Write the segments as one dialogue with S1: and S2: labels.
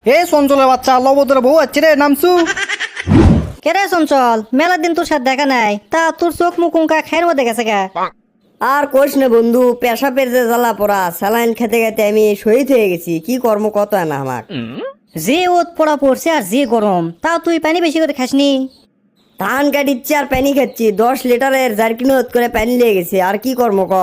S1: এ চঞ্চলের বাচ্চা লবদরে বউ আছে রে নামছু।
S2: কেরে চঞ্চল, মেলা দিন তোর সাথে দেখা নাই, তা তোর চোখ মুখ উঙ্কা খায়ের মধ্যে গেছে গা।
S3: আর কোষ না বন্ধু, পেশাবের যে জ্বালা পড়া, স্যালাইন খেতে খেতে আমি শহীদ হয়ে গেছি। কি কর্ম কত না আমার।
S2: যে ওত পড়া পড়ছে আর যে গরম, তা তুই পানি বেশি করে খাসনি।
S3: ধান কাটিচ্ছি আর পানি খাচ্ছি, 10 লিটারের জারকিন করে পানি লেগে গেছে। আর কি কর্ম ক।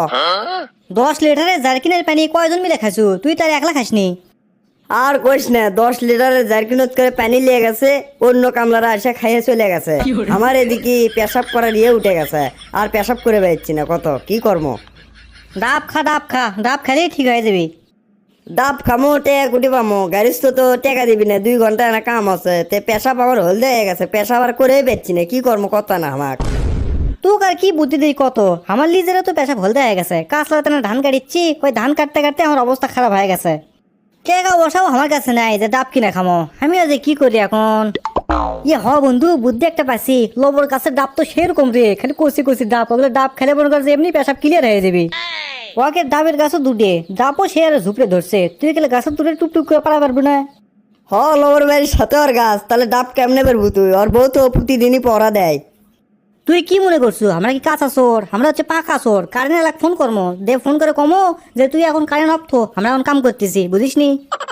S2: 10 লিটারের জারকিনের পানি কয়জন মিলে খাসু? তুই তার একলা খাসনি।
S3: আর কোষ না, 10 লিটারের জারকিন করে পানি লেগে গেছে, অন্য কামলারা এসে খাইয়ে চলে গেছে। আমার এদিকে পেশাব করার ইয়ে উঠে গেছে, আর পেশাব করে বেড়াচ্ছি না। কত কি কর্ম।
S2: ডাব খা, ডাব খা, ডাব খেলেই ঠিক হয়ে যাবি।
S3: ডাব খামো, টেকা কুটি পামো, গাড়িস তো টেকা দিবি না, 2 ঘন্টা না কাম আছে। তে পেশাব আবার হলদে হয়ে গেছে, পেশাব আর করে বেচছি না। কি কর্ম কত না আমার।
S2: তুক আর কি বুদ্ধি দিই কত, আমার লিজেরও তো পেশা ভলতে হয়ে গেছে। কাজ লাগাতে না ধান কাটিচ্ছি, ওই ধান কাটতে কাটতে আমার অবস্থা খারাপ হয়ে গেছে। টাকা বসাও আমার কাছে নাই যে ডাব কিনে খামো। আমি আজ কি করি এখন? ইয়ে হ বন্ধু, বুদ্ধি একটা পাইছি। লবর গাছের ডাব তো সেরকম রে, খালি কচি কচি ডাব, ওগুলো ডাব খেলে মনে করছে এমনি পেশাব ক্লিয়ার হয়ে যাবি। ওকে ডাবের গাছও দুটে, ডাবও সে আর ঝুপড়ে ধরছে। তুই গেলে গাছের দুটে টুকটুক করে পারা পারবি না।
S3: লবর বাড়ির সাথে ওর গাছ, তাহলে ডাব কেমনে পারবো তুই? ওর বউ তো প্রতিদিনই পড়া দেয়।
S2: তুই কি মনে করছো আমরা কি কাঁচা চোর? আমরা হচ্ছে পাকা চোর। কারেন্ট এলাক ফোন করবো, দে ফোন করে কমো যে তুই এখন কারেন্ট অফ থো, আমরা এখন কাম করতেছি, বুঝিস নি?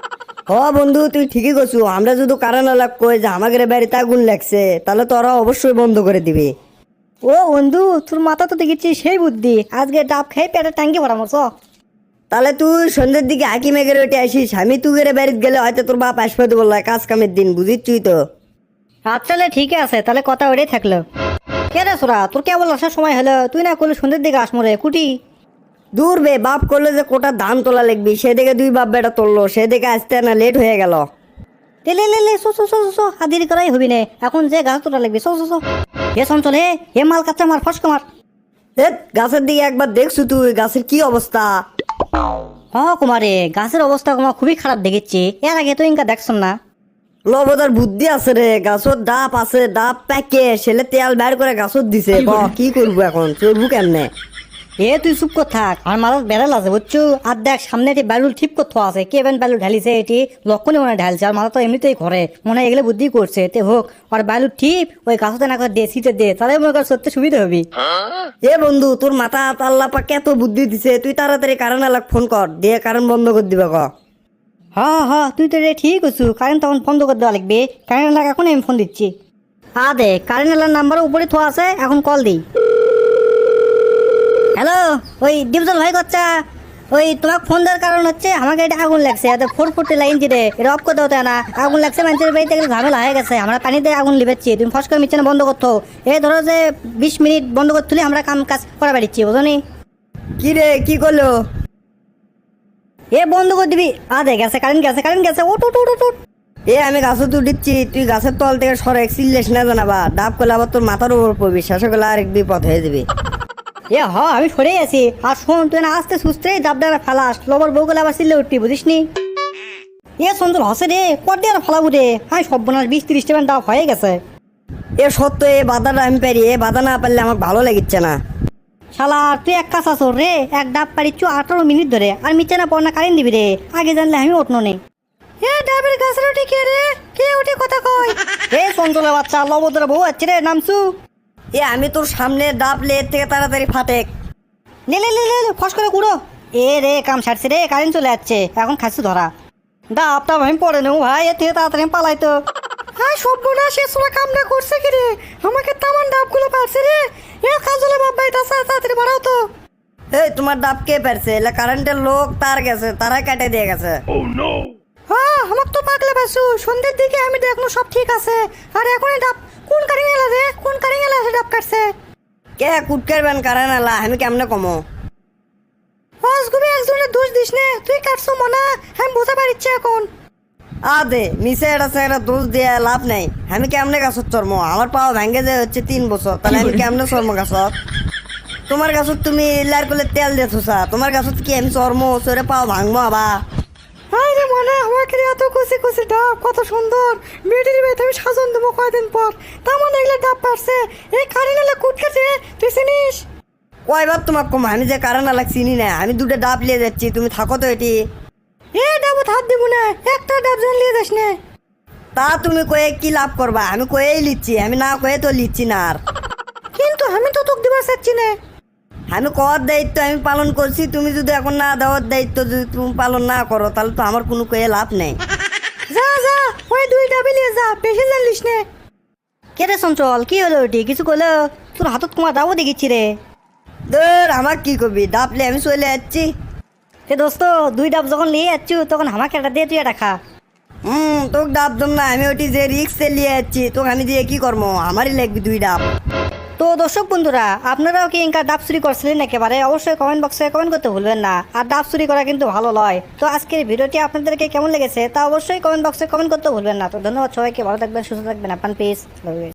S3: বন্ধু তুই ঠিকই করছু। আমরা যদি কারণ এলাক কই যে আমাদের বাড়িতে আগুন লাগছে, তাহলে তোরা অবশ্যই বন্ধ করে দিবি।
S2: ও বন্ধু, তোর মাথা তো দেখেছি সেই বুদ্ধি। আজকে ডাব খেয়ে পেটে ট্যাঙ্কি ভরা মরছ।
S3: তাহলে তুই সন্ধ্যের দিকে আঁকি মেঘের ওইটা আসিস। আমি তুগের বাড়িতে গেলে হয়তো তোর বাপ আসবে তো বললো কাজ কামের দিন, বুঝিস তো।
S2: আচ্ছা ঠিক আছে, তাহলে কথা ওটাই থাকলো। কে রে সোরা, তোর কেবল আসার সময় হলো, তুই না করলে সন্ধ্যের দিকে আসমরে কুটি।
S3: দূর বে, বাপ করলে যে কোটা ধান তোলা লাগবি, সেদিকে 2 বাপ বেটা তুললো, সেদিকে আসতে না লেট হয়ে গেল।
S2: লে লে লে, সো আর দেরি করাই হবি না, এখন যে গাছ তোলা লাগবে। সো এ চঞ্চল, হে মাল কাচ্চা মার ফসকা মার।
S3: গাছের দিকে একবার দেখছু তুই, গাছের কি অবস্থা?
S2: কুমারে, গাছের অবস্থা কুমার খুবই খারাপ দেখেছি। এর আগে তো ইনকা দেখছ না।
S3: লবদার বুদ্ধি আছে রে, গাছত ডাব আছে, ডাব প্যাকে সেলে তেল বের করে গাছত দিছে। কি করবো এখন, চলবো কেমনে?
S2: তুই চুপ কর থাক, আমার মাথার বেড়াল আছে বুঝছো। আর দেখ সামনে এটি ব্যালুল ঠিক করতে আছে, কে বেন ব্যালু ঢালিছে, এটি লক্ষণে মনে ঢালছে। আর মাথা তো এমনিতেই ঘরে, মনে হয় এগুলো বুদ্ধি করছে। তে হোক, আর ব্যালু ঠিক ওই গাছতে না করে দে, সিটে দে, তাহলে মনে কর সত্যি সুবিধা হবে।
S3: বন্ধু, তোর মাথা আল্লাহ পাক এত বুদ্ধি দিছে, তুই তাড়াতাড়ি কারণ এলাক ফোন কর, দিয়ে কারণ বন্ধ করে দিবে ক।
S2: তুই তো রে ঠিক আছু। কারেন্ট তখন বন্ধ করে দেওয়া লাগবে। কারেন্ট এলাকা এখন আমি ফোন দিচ্ছি। দে, কারেন্ট এলাকার নাম্বার উপরে থোয়া আছে, এখন কল দিই। হ্যালো, ওই ডিপজল ভাই কচ্চা, ওই তোমাকে ফোন দেওয়ার কারণ হচ্ছে আমাকে এটা আগুন লাগছে। এত 440 লাইন দিলে এটা অফ করতে হতো না। আগুন লাগছে, মানুষের বাড়িতে গেলে ঝামেলা হয়ে গেছে। আমরা পানিতে আগুন লিবেচ্ছি, তুমি ফস করে মিচ্ছে না বন্ধ করতো। এই ধরো যে 20 মিনিট বন্ধ করতে হলে আমরা কাজ করা বেড়িচ্ছি, বুঝো নি?
S3: কি রে, কি করলো?
S2: বন্ধ করে দিবি। দে গেছে, কারেন্ট গেছে। ওট ওট ওট ওট।
S3: আমি গাছত উঠিচ্ছি, তুই গাছের তল থেকে সরে সিল্লেস না জানাবা। ডাব করলে আবার তোর মাথার উপর পড়বি, শেষে গেলে আরেক বিপদ হয়ে যাবে।
S2: আমি সরেই আছি। আর শোন, তুই না আস্তে সুস্থে ডাবডারা ফালাস, লবর বউ গেলে আবার সিল্লে উঠবি, বুঝিস নি? সুন্দর হসে রে, কটে আর ফালাবো রে। সর্বনাশ, 20-30 টাকা ডাব হয়ে গেছে।
S3: সত্য, বাধাটা আমি পারি, বাধা না পারলে আমার ভালো লাগিচ্ছে না।
S2: শালা, তুই এক কাজ আসর রে, এক ডাব পারিচ্ছু 18 মিনিট ধরে, আর মিচ্ছে না পড়না কারেন্ট দিবি রে। আগে জানলে আমি উঠনো নেই। ডাবের গাছের ওটি কে রে? কে ওটি কথা কয়? চঞ্চলের বাচ্চা, লবদরা বউ আছে রে, নামছু।
S3: আমি তোর সামনে ডাব লে থেকে তাড়াতাড়ি ফাটে।
S2: লে ফস করে কুড়ো। রে কাম সারছে রে, কারেন্ট চলে যাচ্ছে, এখন খাচ্ছি ধরা। ডাবটা আমি পড়ে নেব ভাই, এর থেকে তাড়াতাড়ি পালাই তো। সভ্যনা, সে সোলা কামটা করছে কি রে? আমাকে তামান ডাবগুলো পারছে রে। কাজলে বাপ ভাই, তাড়াতাড়ি বাড়াও তো।
S3: তোমার ডাব কে পারছে? এলা কারেন্টের লোক তার গেছে, তারাই কাটে দিয়ে গেছে।
S2: আমার তো পাগলে পাইছু। সন্ধ্যের দিকে আমি দেখলো সব ঠিক আছে, আর এখন ডাব কোন কারিং এলা রে? কোন কারিং এলা ডাব কাটছে?
S3: কে কুটকারবেন কারেন্ট এলা, আমি কেমনে কমো?
S2: অসগুবি একজনের দোষ দিস নে, তুই কাটছো মনা, আমি বুঝা পারিচ্ছি এখন।
S3: দে মিশে এটা দোষ দিয়ে লাভ নাই। আমি কেমনে গাছত চর্ম? আমার পাওয়া ভেঙে যায় হচ্ছে 3 বছর, তাহলে আমি কেমনে চর্ম গাছত? তোমার গাছত তুমি লার করলে তেল দিয়ে থুসা, তোমার গাছত কি আমি চর্ম চরে পাও ভাঙবো আবা?
S2: রে মনে, আমাকে এত কুচি কুচি ডাব, কত সুন্দর। বেটির বেতে আমি সাজন দেবো কয়দিন পর। তেমন এগুলো ডাব পারছে, এই কারেন্ট এলে কুটকেছে, তুই চিনিস?
S3: কয়বার তোমার কম, আমি যে কারেন্ট এলাক চিনি না। আমি 2টা ডাব লিয়ে যাচ্ছি, তুমি থাকো তো এটি।
S2: এ ডাবত হাত দিব না, একটা ডাব জান লিয়ে যাস না।
S3: তা তুমি কয়ে কি লাভ করবা? আমি কয়েই লিচ্ছি, আমি না কয়ে তো লিচ্ছি না আর।
S2: কিন্তু আমি তো তোকে দিবার চাচ্ছি না।
S3: আমি কর দায়িত্ব আমি পালন করছি, তুমি যদি এখন না দেওয়ার দায়িত্ব যদি তুমি পালন না করো তাহলে তো আমার কোনো কয়ে লাভ নেই।
S2: যা যা, ওই দুই ডাবে লিয়ে যা, বেশি জানলিস না। কে রে চঞ্চল, কি হলো ওটি? কিছু কইলো? তোর হাতত কুমার ডাবও দেখিচ্ছি রে।
S3: ধর আমার কি করবি, ডাবলে আমি চলে যাচ্ছি।
S2: তে দোস্ত, দুই ডাব যখন নিয়ে যাচ্ছু তখন আমাকে একটা দিয়ে তুই এটা খা।
S3: তোকে ডাব দম না, আমি ওটি যে রিক্সে নিয়ে যাচ্ছি, তোকে আমি দিয়ে কি করবো? আমারই লাগবে 2 ডাব।
S2: তো দর্শক বন্ধুরা, আপনারাও কি ইনকা ডাব চুরি করছিলেন একেবারে? অবশ্যই কমেন্ট বক্সে কমেন্ট করতে ভুলবেন না। আর ডাব চুরি করা কিন্তু ভালো নয়। তো আজকের ভিডিওটি আপনাদেরকে কেমন লেগেছে তা অবশ্যই কমেন্ট বক্সে কমেন্ট করতে ভুলবেন না। তো ধন্যবাদ সবাইকে, ভালো থাকবেন, সুস্থ থাকবেন, আপনার পিস।